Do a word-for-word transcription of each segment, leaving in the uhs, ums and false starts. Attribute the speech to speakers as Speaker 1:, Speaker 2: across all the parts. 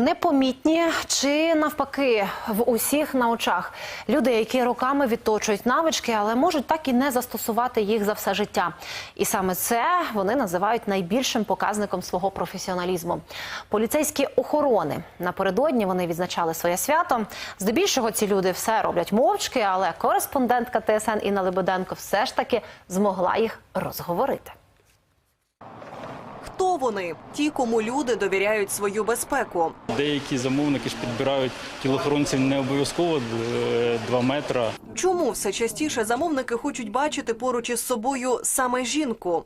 Speaker 1: Непомітні чи навпаки в усіх на очах. Люди, які роками відточують навички, але можуть так і не застосувати їх за все життя. І саме це вони називають найбільшим показником свого професіоналізму. Поліцейські охорони. Напередодні вони відзначали своє свято. Здебільшого ці люди все роблять мовчки, але кореспондентка Т С Н Інна Лебеденко все ж таки змогла їх розговорити.
Speaker 2: Хто вони? Ті, кому люди довіряють свою безпеку.
Speaker 3: Деякі замовники ж підбирають тілоохоронців не обов'язково два метри.
Speaker 2: Чому все частіше замовники хочуть бачити поруч із собою саме жінку?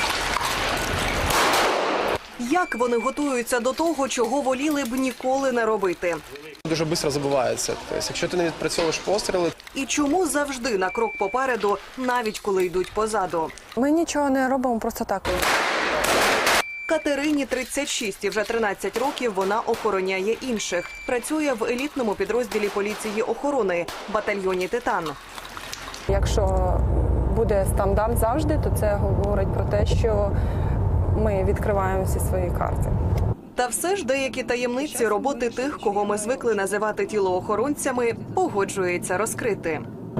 Speaker 2: Як вони готуються до того, чого воліли б ніколи не робити?
Speaker 4: Дуже швидко забувається. Тобто, якщо ти не відпрацьовуєш постріли.
Speaker 2: І чому завжди на крок попереду, навіть коли йдуть позаду?
Speaker 5: Ми нічого не робимо просто так.
Speaker 2: Катерині тридцять шість і вже тринадцять років вона охороняє інших. Працює в елітному підрозділі поліції охорони – батальйоні «Титан».
Speaker 5: Якщо буде стандарт завжди, то це говорить про те, що ми відкриваємо всі свої карти.
Speaker 2: Та все ж деякі таємниці роботи тих, кого ми звикли називати тілоохоронцями, погоджується розкрити.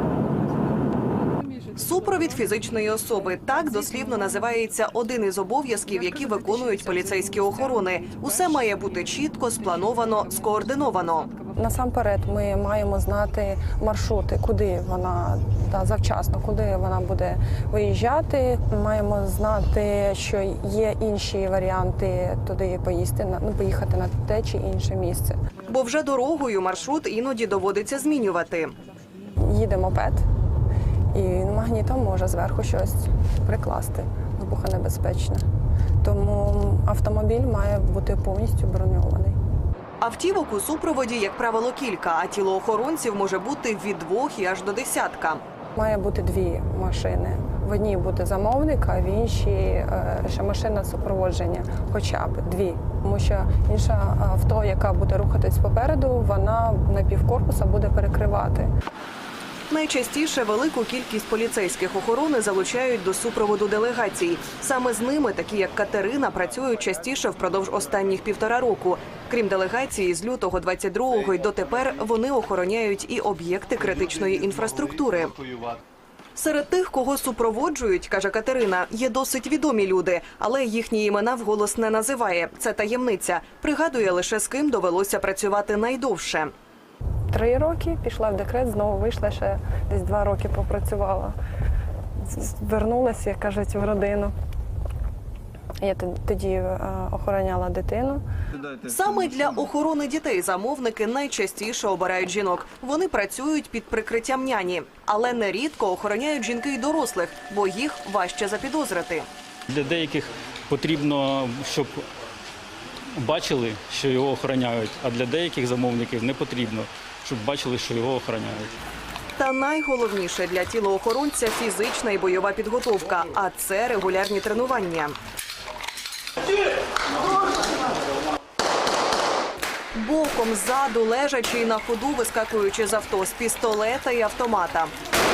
Speaker 2: Супровід фізичної особи – так дослівно називається один із обов'язків, які виконують поліцейські охорони. Усе має бути чітко, сплановано, скоординовано.
Speaker 5: Насамперед ми маємо знати маршрути, куди вона та завчасно, куди вона буде виїжджати. Маємо знати, що є інші варіанти туди поїсти, ну, поїхати на те чи інше місце.
Speaker 2: Бо вже дорогою маршрут іноді доводиться змінювати.
Speaker 5: Їде мопед. І магнітом може зверху щось прикласти, вибухонебезпечне. Тому автомобіль має бути повністю броньований.
Speaker 2: Автівок у супроводі, як правило, кілька, а тілоохоронців може бути від двох і аж до десятка.
Speaker 5: Має бути дві машини. В одній буде замовник, а в іншій ще машина супроводження, хоча б дві. Тому що інша авто, яка буде рухатись попереду, вона на півкорпуса буде перекривати.
Speaker 2: Найчастіше велику кількість поліцейських охорони залучають до супроводу делегацій. Саме з ними, такі як Катерина, працюють частіше впродовж останніх півтора року. Крім делегації, з лютого двадцять другого й дотепер вони охороняють і об'єкти критичної інфраструктури. Серед тих, кого супроводжують, каже Катерина, є досить відомі люди, але їхні імена вголос не називає. Це таємниця. Пригадує лише, з ким довелося працювати найдовше.
Speaker 5: Три роки, пішла в декрет, знову вийшла, ще десь два роки попрацювала. Вернулася, як кажуть, в родину. Я тоді охороняла дитину.
Speaker 2: Саме для охорони дітей замовники найчастіше обирають жінок. Вони працюють під прикриттям няні. Але нерідко охороняють жінки й дорослих, бо їх важче запідозрити.
Speaker 3: Для деяких потрібно, щоб бачили, що його охороняють, а для деяких замовників не потрібно, щоб бачили, що його охороняють.
Speaker 2: Та найголовніше для тілоохоронця – фізична і бойова підготовка, а це регулярні тренування. Боком, ззаду, лежачи і на ходу, вискакуючи з авто, з пістолета і автомата.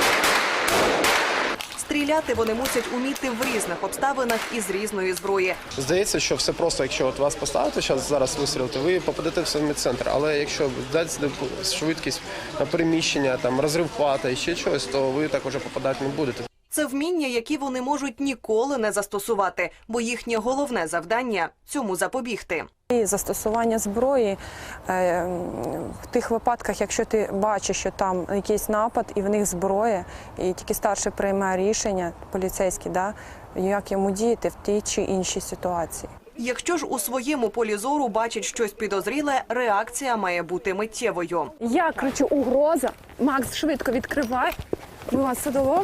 Speaker 2: Стріляти вони мусять уміти в різних обставинах і з різної зброї.
Speaker 4: Здається, що все просто, якщо от вас поставити, зараз, зараз вистрілити, ви попадете в самий центр. Але якщо дати швидкість на переміщення, там, розрив хвата і ще щось, то ви так уже попадати не будете.
Speaker 2: Це вміння, які вони можуть ніколи не застосувати, бо їхнє головне завдання – цьому запобігти.
Speaker 5: І застосування зброї е, в тих випадках, якщо ти бачиш, що там якийсь напад і в них зброя, і тільки старший приймає рішення, поліцейський, да, як йому діяти в тій чи іншій ситуації.
Speaker 2: Якщо ж у своєму полі зору бачить щось підозріле, реакція має бути миттєвою.
Speaker 5: Я кричу «Угроза!», Макс, швидко відкривай, ми вас садово.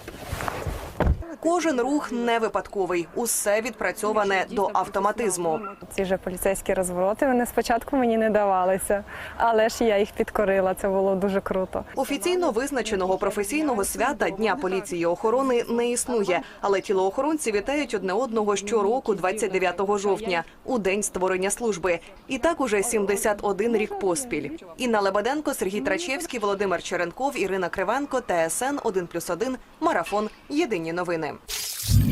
Speaker 2: Кожен рух не випадковий, усе відпрацьоване до автоматизму.
Speaker 5: Ці ж поліцейські розвороти, вони спочатку мені не давалися, але ж я їх підкорила, це було дуже круто.
Speaker 2: Офіційно визначеного професійного свята Дня поліції охорони не існує, але тілоохоронці вітають одне одного щороку двадцять дев'ятого жовтня, у день створення служби. І так уже сімдесят один рік поспіль. Інна Лебеденко, Сергій Трачевський, Володимир Черенков, Ірина Кривенко, Т С Н один плюс один, Марафон, Єдині новини.